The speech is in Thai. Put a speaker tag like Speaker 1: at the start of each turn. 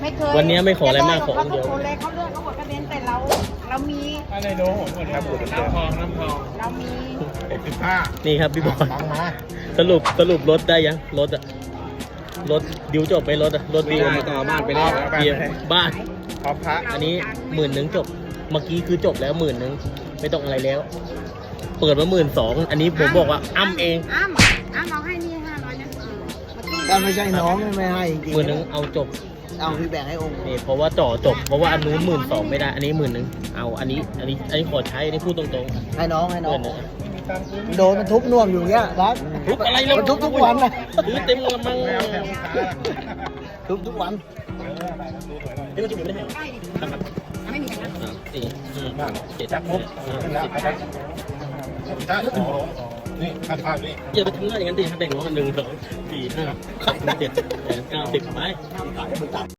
Speaker 1: ไม่เคย
Speaker 2: วันนี้ไม่ขออะไรมากขอ
Speaker 1: เขา
Speaker 2: เดียว
Speaker 1: คนเลยเขาเลือกเขาหมดคะแนนแต่เรามี
Speaker 3: อะไรโน้หมดน้ำทอง
Speaker 1: เรามี
Speaker 3: 65
Speaker 2: นี่ครับพี่บอล
Speaker 3: ฟังมา
Speaker 2: สรุปรถได้ยังรถอะรถดิวจบไปรถอะรถดิว
Speaker 3: ต่อบ้านไปแล้ว
Speaker 2: เกียร์บ้าน
Speaker 3: พอพระ
Speaker 2: อันนี้10,000จบเมื่อกี้คือจบแล้ว10,000ไม่ต้องอะไรแล้ว เปิดมา12,000อันนี้ผมบอกว่าอ้ำเอง
Speaker 1: อ้ำเอาให้นี่500นะ
Speaker 4: ถ้าไม่ใช่น้องไม่ให้จริง
Speaker 2: 10,000เอาจบ
Speaker 4: เอาพี่แบ่งให้องค์
Speaker 2: นี่เพราะว่าจ่อจบเพราะว่าอันนู้น12,000ไม่ได้อันนี้10,000เอาอันนี้ขอใช้อันนี้พูดตรง
Speaker 4: ให้น้องให้
Speaker 2: ๆ
Speaker 4: น้อง
Speaker 2: เงิน
Speaker 4: โดนมันทุบน่วมอยู่เงี้ยรัก
Speaker 2: ทุบอะไรแล้ว
Speaker 4: มันทุบทุกวันนะ
Speaker 2: ซื้อเต็มกระมัง
Speaker 4: ทุบทุกวัน
Speaker 2: เดี๋ยวจะไม่ได้ให้ครับ
Speaker 1: ไม่มีกันนะ
Speaker 2: 4 7
Speaker 3: จับปุ๊บได้นี่ข้าวนี่
Speaker 2: อย่าไปทำหน้าอย่างนั้นดิแบ่งน้องกัน1 2 4 5 6 7 8 9 10ไป